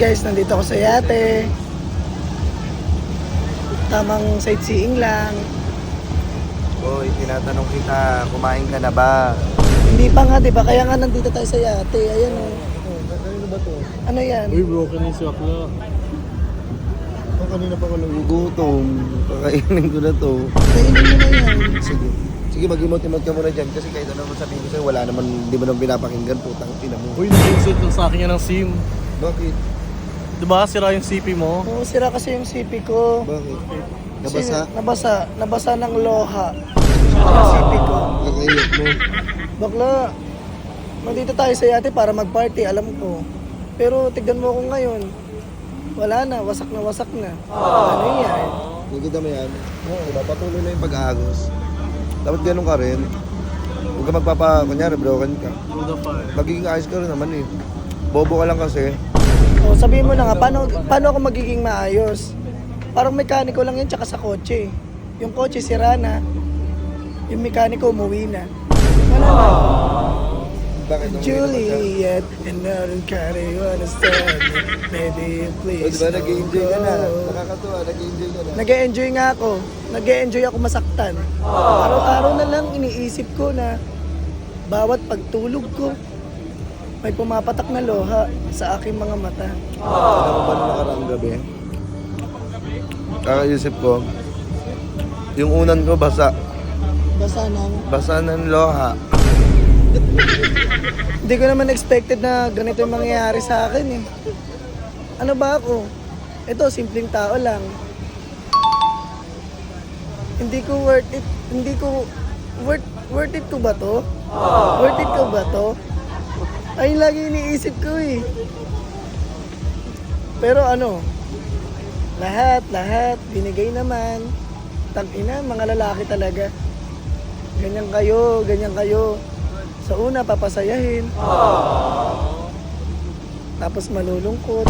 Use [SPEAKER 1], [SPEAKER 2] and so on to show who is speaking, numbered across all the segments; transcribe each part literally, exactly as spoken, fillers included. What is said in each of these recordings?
[SPEAKER 1] guys, nandito ako sa yate. Tamang sightseeing lang.
[SPEAKER 2] Hoy, tinatanong kita, kumain ka na ba?
[SPEAKER 1] Hindi pa nga, di ba? Kaya nga nandito tayo sa yate. Ayan o.
[SPEAKER 3] Oh, kanina ba to?
[SPEAKER 1] Ano yan?
[SPEAKER 3] Uy, broken yung sakla. Oh, kanina pa ko nagugutom.
[SPEAKER 2] Kakainin ko na to.
[SPEAKER 1] Kainin mo na yan.
[SPEAKER 2] Sige. Sige, mag-imot-imot ka muna dyan kasi kahit ano naman sabihin ko sa'yo, wala naman, di mo naman pinapakinggan, putang ina mo.
[SPEAKER 3] Uy, nag-insert lang sa akin yan ng SIM.
[SPEAKER 2] Bakit?
[SPEAKER 3] Diba, sira yung C P mo?
[SPEAKER 1] Oo, sira kasi yung C P ko.
[SPEAKER 2] Bakit?
[SPEAKER 1] Kasi
[SPEAKER 2] Nabasa?
[SPEAKER 1] Nabasa. Nabasa ng loha. Yung C P ko.
[SPEAKER 2] Kakainit mo.
[SPEAKER 1] Bakla, nandito tayo sa yate para mag-party, alam ko. Pero tignan mo ako ngayon. Wala na, wasak na wasak na. Ano yan?
[SPEAKER 2] Nakikita mo yan? Oo, diba? Patuloy na yung pag-aagos. Dapat ganun ka rin. Huwag ka magpapa, kunyari, broken ka.
[SPEAKER 3] Hold the fire.
[SPEAKER 2] Magiging ayos ka rin naman eh. Bobo ka lang kasi.
[SPEAKER 1] O, sabihin mo na nga, paano, paano ako magiging maayos? Parang mekaniko lang yan, tsaka sa kotse. Yung kotse sira na. Yung mekaniko umuwi na. Wala na.
[SPEAKER 2] Bakit? Ang hirap ka?
[SPEAKER 1] Juliet, and I don't care you understand. Maybe
[SPEAKER 2] O,
[SPEAKER 1] please
[SPEAKER 2] diba? Nag-i-enjoy ka na.
[SPEAKER 1] don't go.
[SPEAKER 2] Nakakatuwa, nag-i-enjoy ka na.
[SPEAKER 1] Nag-e-enjoy nga ako. Nag-e-enjoy ako masaktan. Araw-araw na lang iniisip ko na bawat pagtulog ko, may pumapatak na loha sa aking mga mata.
[SPEAKER 2] Alam mo ba nung nakaraang gabi? Kakaisip ko, yung unan ko basa.
[SPEAKER 1] Basta nang,
[SPEAKER 2] Basa ng loha.
[SPEAKER 1] hindi ko naman expected na ganito yung mangyayari sa akin eh. Ano ba ako? Ito, simpleng tao lang. Hindi ko worth it. Hindi ko worth worth it ko ba to? Worth it ko ba to? Ayun lagi iniisip ko eh. Pero ano, lahat, lahat, binigay naman. Tangina, mga lalaki talaga. Ganyan kayo, ganyan kayo. Sa una, papasayahin. Tapos malulungkot.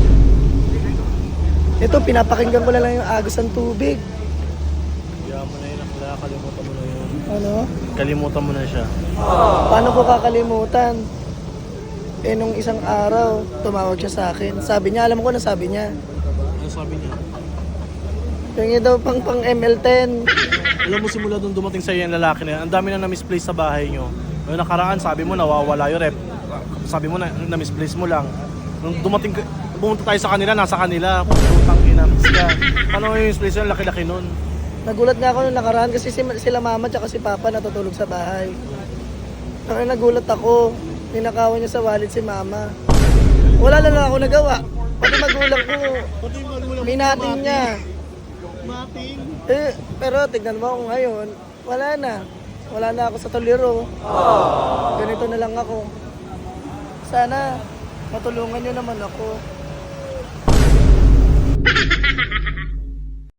[SPEAKER 1] Ito, pinapakinggan ko na lang yung agos ng tubig.
[SPEAKER 3] Kaya mo na yun, akla. Kalimutan mo na yun.
[SPEAKER 1] Ano?
[SPEAKER 3] Kalimutan mo na siya.
[SPEAKER 1] Paano ko kakalimutan? Eh, nung isang araw, tumawag siya sa akin. Sabi niya, alam ko na sabi niya.
[SPEAKER 3] Ano sabi niya?
[SPEAKER 1] Yung daw pang pang M L ten.
[SPEAKER 3] Alam mo, simula doon dumating sa'yo yung lalaki na yan, ang dami na na-misplace sa bahay nyo. Noong nakaraan, sabi mo, nawawala yung rep. Sabi mo, na, na-misplace mo lang. Nung dumating, ka- pumunta tayo sa kanila, nasa kanila. Putang ina, miss ka. Paano yung misplace yun? Laki-laki nun.
[SPEAKER 1] Nagulat nga ako nung nakaraan kasi si, sila mama at si papa natutulog sa bahay. Kaya nagulat ako. Ninakawan niya sa wallet si mama. Wala na lang ako nagawa. Pati magulang ko,
[SPEAKER 3] Pati magulang
[SPEAKER 1] minating niya.
[SPEAKER 3] Mating.
[SPEAKER 1] Eh, pero tignan mo ako ngayon, wala na. Wala na ako sa tolero. Ganito na lang ako. Sana matulungan niyo naman ako.